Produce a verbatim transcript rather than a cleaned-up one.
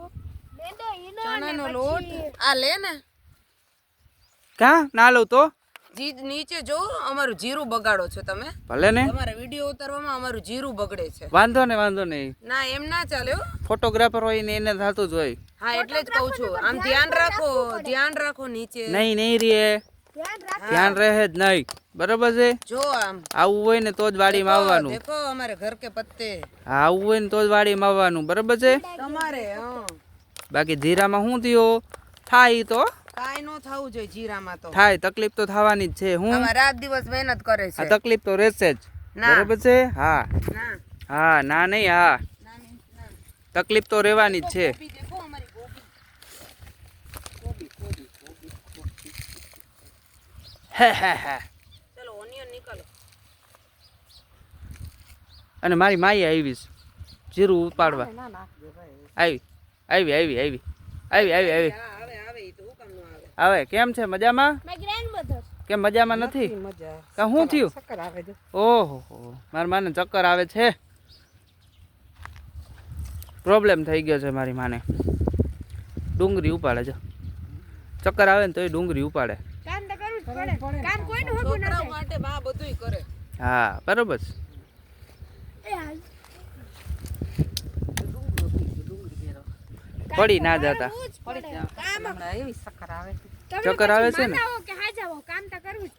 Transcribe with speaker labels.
Speaker 1: ચણાનો લોટ આ લે ને
Speaker 2: કા ના લઉં તો
Speaker 1: જી નીચે જો અમારું જીરું બગાડો છો તમે
Speaker 2: ભલે ને
Speaker 1: તમારા વિડિયો ઉતારવામાં અમારું જીરું બગડે છે
Speaker 2: વાંધો ને વાંધો નહીં
Speaker 1: ના એમ ના ચાલે હો
Speaker 2: ફોટોગ્રાફર હોય ને એને થતું જ હોય
Speaker 1: હા એટલે જ કહું છું આમ ધ્યાન રાખો ધ્યાન રાખો નીચે
Speaker 2: નહીં નહીં રે ધ્યાન રહે જ નહીં બરાબર છે
Speaker 1: જો આમ
Speaker 2: આવું હોય ને તો જ વાડીમાં આવવાનું
Speaker 1: દેખો અમારે ઘર કે પત્તે
Speaker 2: હા આવું હોય ને તો જ વાડીમાં આવવાનું બરાબર છે
Speaker 1: તમારે હા
Speaker 2: બાકી જીરામાં શું થયો થાય તો
Speaker 1: કાઈ નો થવું જોઈએ જીરામાં તો
Speaker 2: થાય તકલીફ તો થવાની જ છે હું
Speaker 1: આમાં રાત દિવસ મહેનત કરે
Speaker 2: આ
Speaker 1: છે
Speaker 2: તકલીફ તો રહેશે જ
Speaker 1: ના.
Speaker 2: બરાબર છે હા
Speaker 1: ના
Speaker 2: હા ના નહીં હા
Speaker 1: ના નહીં, ના.
Speaker 2: તકલીફ તો રહેવાની જ છે
Speaker 1: ગોબી દેખો અમારી ગોબી ગોબી ગોબી ગોબી ગોબી
Speaker 2: હે હે હે
Speaker 1: ચલો ઓનિયન નીકળો
Speaker 2: અને મારી માઈ આવીશ જીરું ઉપાડવા
Speaker 1: ના નાખ દે ભાઈ
Speaker 2: આવી આવી આવી આવી આવી આવી આવી
Speaker 1: હા આવે આવે ઈ તો હું કામ નો આવે
Speaker 2: આવે કેમ છે મજામાં
Speaker 3: My grandmother.
Speaker 2: કેમ મજામાં નથી
Speaker 1: મજા
Speaker 2: કા શું થયું
Speaker 1: ચક્કર આવે છે
Speaker 2: ઓહો મારી માને ચક્કર આવે છે પ્રોબ્લેમ થઈ ગયો છે મારી માને ડુંગળી ઉપાડે છે ચક્કર આવે ને તો એ ડુંગળી ઉપાડે
Speaker 3: કામ તો કરવું જ પડે. કામ કોઈનું હગું ના
Speaker 1: છોકરાઓ
Speaker 3: થાય.
Speaker 1: માટે બા બધુંય કરે
Speaker 2: હા બરોબર છે.
Speaker 3: એ હાલ.
Speaker 2: પડી ના જતા
Speaker 3: કરવું જ પડે.
Speaker 1: કામ હમણાં એવી ચક્કર આવે છે
Speaker 3: તમે
Speaker 2: ચક્કર આવે
Speaker 3: પછી
Speaker 2: છે ને?
Speaker 3: માના હો કે હાજા હો, કામ તો કરવું જ